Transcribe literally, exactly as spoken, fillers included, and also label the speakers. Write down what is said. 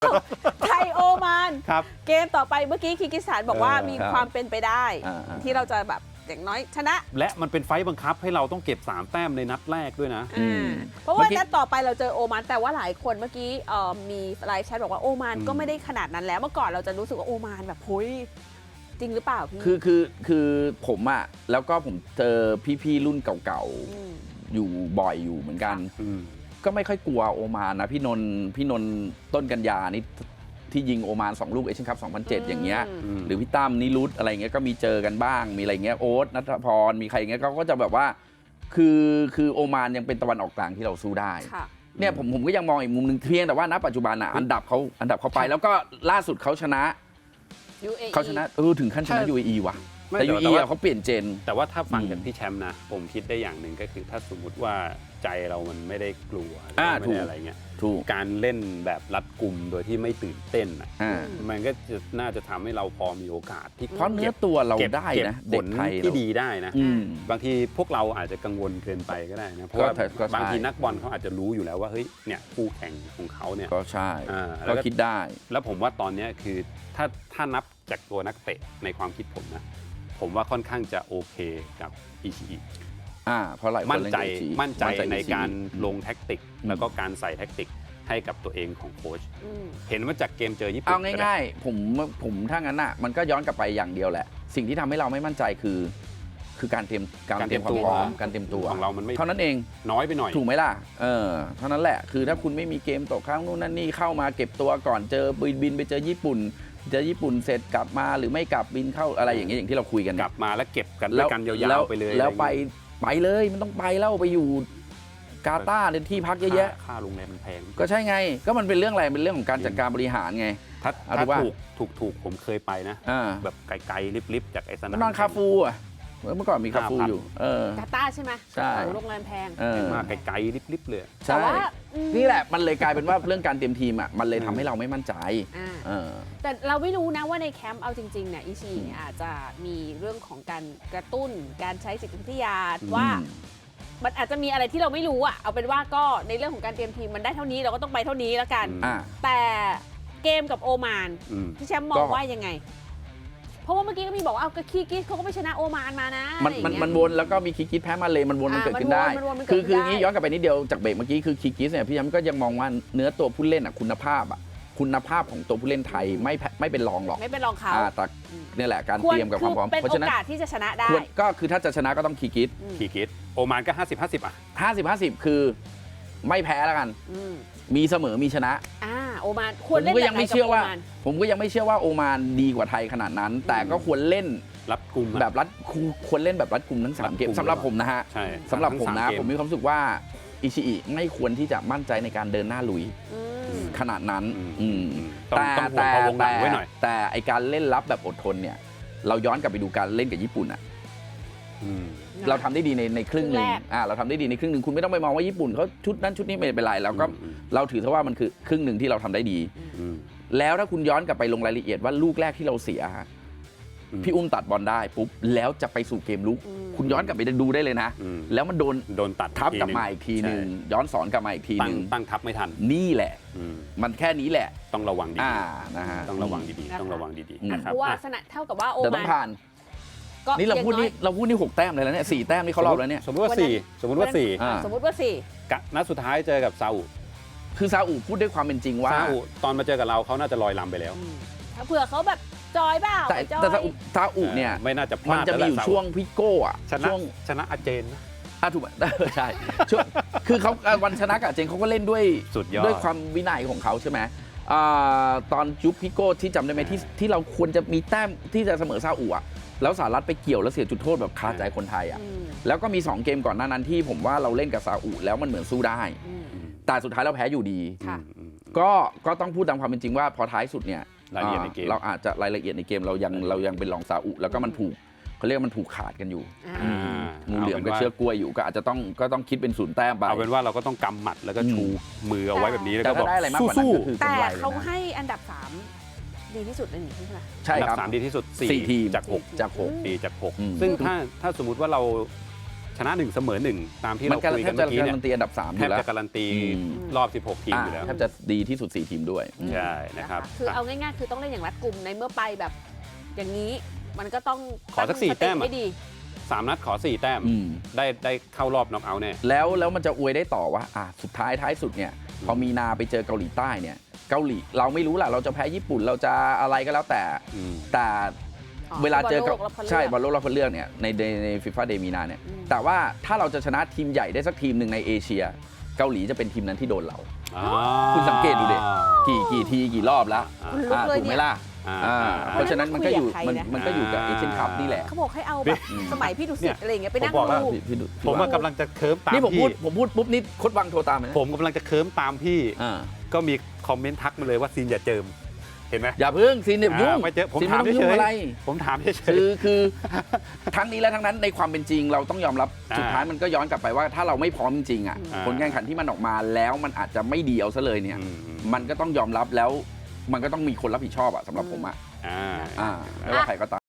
Speaker 1: ไทยโอมานเกมต่อไปเมื่อกี้คีร์กิสถานบอกว่ามีความเป็นไปได้ที่เราจะแบบอย่างน้อยชนะ
Speaker 2: และมันเป็นไฟต์บังคับให้เราต้องเก็บสามแต้มในนัดแรกด้วยนะ
Speaker 1: เพราะว่านัดต่อไปเราเจอโอมานแต่ว่าหลายคนเมื่อกี้มีไลน์แชทบอกว่าโอมานก็ไม่ได้ขนาดนั้นแล้วเมื่อก่อนเราจะรู้สึกว่าโอมานแบบเฮ้ยจริงหรือเปล่าพี่
Speaker 3: คือคือคือผมอะแล้วก็ผมเจอพี่ๆรุ่นเก่าๆอยู่บ่อยอยู่เหมือนกันก็ไม่ค่อยกลัวโอมานนะพี่นนท์พี่นนท์ต้นกันยานี่ที่ยิงโอมานสองลูกเอเชียนคัพสองพันเจ็ดอย่างเงี้ยหรือพี่ตั้มนิรุตอะไรเงี้ยก็มีเจอกันบ้างมีอะไรเงี้ยโอ๊ตณัฐพรมีใครเงี้ยเขาก็จะแบบว่าคือคือโอมานยังเป็นตะวันออกกลางที่เราสู้ได้เนี่ยผมผมก็ยังมองอีกมุมหนึ่งเพียงแต่ว่าณปัจจุบันอ่ะอันดับเขาอันดับเขาไปแล้วก็ล่าสุดเขาชนะเขาชนะเออถึงขั้นชนะ ยู เอ อี ว่ะแต่ ยู เอ อี เขาเปลี่ยนเจน
Speaker 2: แต่ว่าถ้าฟังจากพี่แชมป์นะผมคิดได้อย่างหนึ่งก็คือถ้าสมมุติว่าใจเรามันไม่ได้กลัวไม่ได้อะไรเงี้ยการเล่นแบบรัดกุมโดยที่ไม่ตื่นเต้นอ่ะมันก็จะน่าจะทำให้เราพอมีโอกาสที่
Speaker 3: เพราะเนื้อตัวเราได้นะ
Speaker 2: เด็กไทยที่ดีได้นะบางทีพวกเราอาจจะกังวลเกินไปก็ได้นะเพราะว่าบางทีนักบอลเขาอาจจะรู้อยู่แล้วว่าเฮ้ยเนี่ยคู่แข่งของเขาเนี่ย
Speaker 3: ก็ใช่ก็คิดได้
Speaker 2: แล้วผมว่าตอนนี้คือถ้าถ้านับจากตัวนักเตะในความคิดผมนะผมว่าค่อนข้างจะโอเคกับอิชิอิ
Speaker 3: อ่าเพราะหลายคน
Speaker 2: มั่นใจมั่นใจในการลงแท็กติกแล้วก็การใส่แท็กติกให้กับตัวเองของโค้ชเห็นว่าจากเกมเจอญี่ปุ่น
Speaker 3: เอาง่ายๆผมผมถ้างั้นอ่ะมันก็ย้อนกลับไปอย่างเดียวแหละสิ่งที่ทำให้เราไม่มั่นใจคือคือการเตรียมการเตรียมความพร้อมการเตรียมตัว
Speaker 2: ของเรามันไม่
Speaker 3: เท่านั้นเอง
Speaker 2: น้อยไปหน่อย
Speaker 3: ถูกไหมล่ะเออเท่านั้นแหละคือถ้าคุณไม่มีเกมตกค้างนู่นนั่นนี่เข้ามาเก็บตัวก่อนเจอบินบินไปเจอญี่ปุ่นเจอญี่ปุ่นเสร็จกลับมาหรือไม่กลับบินเข้าอะไรอย่างเงี้ยอย่างที่เราคุยกัน
Speaker 2: กลับมาแล้วเก็บกันด้วยกันยาวๆไปเลย
Speaker 3: แล้วไปไปเลยมันต้องไปแล้วไปอยู่กาตาร์ในที่พักเยอะแยะ
Speaker 2: ค่าโรงแรมมันแพง
Speaker 3: ก็ใช่ไงก็มันเป็นเรื่องอะไรเป็นเรื่องของการจัดการบริหารไง
Speaker 2: ถ้าถ้าถูกถูกถูกผมเคยไปนะแบบไกลๆลิบๆจากไอ้สนาม
Speaker 3: นอนคาฟูอ่ะเมื่อก่อนมีคาฟูอยู่
Speaker 1: กาตาร์ใช่ไหม
Speaker 3: ใช่
Speaker 1: โรงแรมแพง
Speaker 2: มาไกลๆลิบๆเลย
Speaker 3: ใช่นี่แหละมันเลยกลายเป็นว่าเรื่องการเตรียมทีมอ่ะมันเลยทำให้เราไม่มั่นใจ
Speaker 1: แต่เราไม่รู้นะว่าในแคมป์เอาจริงๆเนี่ยอิชิอาจจะมีเรื่องของการกระตุ้นการใช้จิตวิทยาว่ามันอาจจะมีอะไรที่เราไม่รู้อ่ะเอาเป็นว่าก็ในเรื่องของการเตรียมทีมมันได้เท่านี้เราก็ต้องไปเท่านี้แล้วกันแต่เกมกับโอมานพี่แชมป์มองว่ายังไงเพราะว่าเมื่อกี้ก็มีบอกว่าเอาคีร์กิสเขาก็ไม่ชนะโอมานมานะ
Speaker 3: มันมันมันวนแล้วก็มีคีร์กิสแพ้มาเลยมันวนมันเกิดขึ้นได้คือคืองี้ย้อนกลับไปนิดเดียวจากเบรกเมื่อกี้คือคีร์กิสเนี่ยพี่แชมป์ก็ยังมองว่าเนื้อตัวผู้เล่นอ่ะคุณภาพอ่ะคุณภาพของตัวผู้เล่นไทยไม่ไม่เป็นรองหรอก
Speaker 1: ไม่เป็นรองเขา
Speaker 3: แต่นี่แหละการเตรียมกับความพร้อม
Speaker 1: เพราะฉะนั้นเป็นโอกาสที่จะชนะได้
Speaker 3: ก็คือถ้าจะชนะก็ต้องคีร์กิส
Speaker 2: คีร์กิสโอมานก็ห้าสิบ ห้าสิบอ่ะ
Speaker 3: ห้าสิบ ห้าสิบคือไม่แพ้แล้วกันมีเสมอมีชนะ
Speaker 1: อ่าโอมานควรเล่นแบบไหนกับโอมาน
Speaker 3: ผมก็ยังไม่เชื่อว่าโอมานดีกว่าไทยขนาดนั้นแต่ก็ควรเล่น
Speaker 2: รัดกุม
Speaker 3: แบบรัดควรเล่นแบบรัดกุมทั้งสามเกมสำหรับผมนะฮะสำหรับผมนะผมมีความรู้สึกว่าอิชิอิไม่ควรที่จะมั่นใจในการเดินหน้าลุยขนาดนั้นแต่แต่แต่แต่ไอการเล่นรับแบบอดทนเนี่ยเราย้อนกลับไปดูการเล่นกับญี่ปุ่นอ่ะเราทำได้ดีในในครึ่งหนึ่งอ่าเราทำได้ดีในครึ่งหนึ่งคุณไม่ต้องไปมองว่าญี่ปุ่นเขาชุดนั้นชุดนี้ไม่เป็นไรเราก็เราถือซะว่ามันคือครึ่งหนึ่งที่เราทำได้ดีแล้วถ้าคุณย้อนกลับไปลงรายละเอียดว่าลูกแรกที่เราเสียพี่อุ้มตัดบอลได้ปุ๊บแล้วจะไปสู่เกมลุกคุณย้อนกลับไปดูได้เลยนะแล้วมันโดน
Speaker 2: โดนตัด
Speaker 3: ทับกลับมาอีกทีนึงย้อนสอนกลับมาอีกทีนึง
Speaker 2: ตั้งทับไม่ทัน
Speaker 3: นี่แหละมันแค่นี้แหละ
Speaker 2: ต้องระวังดี
Speaker 3: ๆนะฮะ
Speaker 2: ต้องระวังดีๆต้องระวังดีๆนะครับ
Speaker 1: เพราะว่าสนะเท่ากับว่าโอมาน
Speaker 3: ต้องผ่านนี่เราพูดนี่เราพูดนี่หกแต้มเลยแล้วเนี่ยสี่แต้มนี่เขารอบแล้วเนี่ย
Speaker 2: สมมติว่าสี่สมมติว่าสี่
Speaker 1: สมมติว่าสี่
Speaker 2: นัดสุดท้ายเจอกับซาอุ
Speaker 3: คือซาอุพูดด้วยความเป็นจริงว่า
Speaker 2: ซาอุตอนมาเจอกับเราเขาน่าจะลอยลำไปแล้ว
Speaker 1: ถ้าเผื่อเขาแบบจอยเปล่า
Speaker 3: แต่แต่ซาอุเนี่ย
Speaker 2: ไม่น่าจะพลาด
Speaker 3: มันจะมีอยู่ช่วงพิโก้อะ
Speaker 2: ช่วงชนะอาเจน
Speaker 3: อ่ะถูกไหมใช่ช่วงคือเขาวันชนะกับอาเจนเขาก็เล่นด้วย
Speaker 2: สุดยอด
Speaker 3: ด้วยความวินัยของเขาใช่ไหมตอนยุคพิโก้ที่จำได้ไหมที่ที่เราควรจะมีแต้มที่จะเสมอซาอุอะแล้วสหรัฐไปเกี่ยวแล้วเสียจุดโทษแบบคาใจคนไทยอ่ะแล้วก็มีสองเกมก่อนหน้านั้นที่ผมว่าเราเล่นกับซาอุแล้วมันเหมือนสู้ได้แต่สุดท้ายเราแพ้อยู่ดีก็ก็ต้องพูดตามความเป็นจริงว่าพอท้ายสุดเนี่ย
Speaker 2: รายละเอียดในเกม
Speaker 3: เราอาจจะรายละเอียดในเกมเรายังเรายังเป็นรองซาอุแล้วก็มันผูกเขาเรียกมันผูกขาดกันอยู่งูเหลือมกับเชือกกล้วยอยู่ก็อาจจะต้องก็ต้องคิดเป็นศูนย์แต้มไป
Speaker 2: เอาเป็นว่าเราก็ต้องกำหมัดแล้วก็ชูมือเอาไว้แบบนี้แล้วก็บอก
Speaker 3: สู้
Speaker 1: ๆแต่เขาให้อันดับสามดีที่สุดในนี้ใช่ไหม
Speaker 3: ใช่ครับ
Speaker 2: สามดีที่สุด
Speaker 3: สี่ทีม
Speaker 2: จากหก
Speaker 3: จากหก
Speaker 2: ดีจากหกซึ่งถ้าถ้าสมมุติว่าเราชนะหนึ่งเสมอหนึ่งตามที่
Speaker 3: มัน
Speaker 2: เราคุย
Speaker 3: แท
Speaker 2: กับ น
Speaker 3: จะ
Speaker 2: เมื่อกี้
Speaker 3: กา
Speaker 2: เนี่ย
Speaker 3: รันตีอันดับสามอ
Speaker 2: แทบ
Speaker 3: ยู่แล้ว
Speaker 2: จะการันตี
Speaker 3: อืม
Speaker 2: รอบสิบหกทีมอยู่แล้ว
Speaker 3: แทบจะดีที่สุดสี่ทีมด้วย
Speaker 2: ใช่นะครับ
Speaker 1: คือเอาง่ายๆคือต้องเล่นอย่างรัดกุมในเมื่อไปแบบ อย่างนี้มันก็ต้อง
Speaker 2: ขอสักสี่
Speaker 1: ตั้ง
Speaker 2: แต้มอะ
Speaker 1: ให้ดี
Speaker 2: สามนัดขอสี่แต้ม
Speaker 3: อืม
Speaker 2: ได้ได้เข้ารอบน็อกเอาท์แน่
Speaker 3: แล้วแล้วมันจะอวยได้ต่อว่าอ่ะสุดท้ายท้ายสุดเนี่ยพอมีนาไปเจอเกาหลีใต้เนี่ยเกาหลีเราไม่รู้แหละเราจะแพ้ญี่ปุ่นเราจะอะไรก็แล้วแต่
Speaker 2: อืม
Speaker 3: แต่
Speaker 1: อ๋อ
Speaker 3: เวลาเจอกับ
Speaker 1: บอลโลกรอบคัดเลือก
Speaker 3: ใช่บอลโลกรอบคัดเลือกเนี่ยในในในฟีฟ่าเดมีนาเนี่ย
Speaker 1: อืม
Speaker 3: แต่ว่าถ้าเราจะชนะทีมใหญ่ได้สักทีมหนึ่งในเอเชีย เกาหลีจะเป็นทีมนั้นที่โดนเรา
Speaker 2: อ่า
Speaker 3: คุณสังเกตดูดิ กี่กี่ทีกี่รอบแล้ว
Speaker 2: อ่า
Speaker 1: ลุก
Speaker 3: อ่า
Speaker 1: เลย
Speaker 3: ถูกไหม
Speaker 1: เนี่ย
Speaker 3: ล่ะ
Speaker 2: อ่า
Speaker 3: อ่า
Speaker 2: อ่า
Speaker 3: เพราะฉะนั้นมันก็อยู่
Speaker 1: คุย
Speaker 3: มัน
Speaker 1: กับใครนะ
Speaker 3: มันก็อยู่กับเอเชียนคัพนี่แหละ
Speaker 1: เขาบอกให้เอาแบบสมัยพี่ดุสิตอะไรอย่างเงี้ยไปนั่ง
Speaker 2: ผมบอกแล้ว
Speaker 1: ดู
Speaker 3: พี่พี่ดู
Speaker 2: ผมว่ากำลังจะเคิร์มตาม
Speaker 3: นี่ผมพู
Speaker 2: พี่
Speaker 3: ดผมพูดปุ๊บนี่โคดวังโทรตามเลยนะ
Speaker 2: ผมกำลังจะเคิร์มตามพี่
Speaker 3: อ่า
Speaker 2: ก็มีคอมเมนต์ทักมาเลยว่าซีนอย่าเจิม เห็นไหม
Speaker 3: อย่าเพิ่งซีนเดี๋ยวยุ่ง
Speaker 2: อ่าไม่เจอผม
Speaker 3: ซีน
Speaker 2: ถาม
Speaker 3: ไต้อง
Speaker 2: เฉ
Speaker 3: ยุ่ง
Speaker 2: ย
Speaker 3: อะไร
Speaker 2: ๆผมถามเฉย
Speaker 3: คือคือทั้งนี้และทั้งนั้นในความเป็นจริงเราต้องยอมรับ
Speaker 2: อ่า
Speaker 3: สุดท้ายมันก็ย้อนกลับไปว่าถ้าเราไม่พร้อมจริงๆอ่ะ
Speaker 2: อ่า
Speaker 3: ผลการแข่งขันที่มันออกมาแล้วมันอาจจะไม่ดีเอาซะเลยเนี่ย
Speaker 2: อืมอืม
Speaker 3: มันก็ต้องยอมรับแล้วมันก็ต้องมีคนรับผิดชอบอะสำหรับผมอะ
Speaker 2: อ่า
Speaker 3: อ่าไม่ว่าใครก็ตาม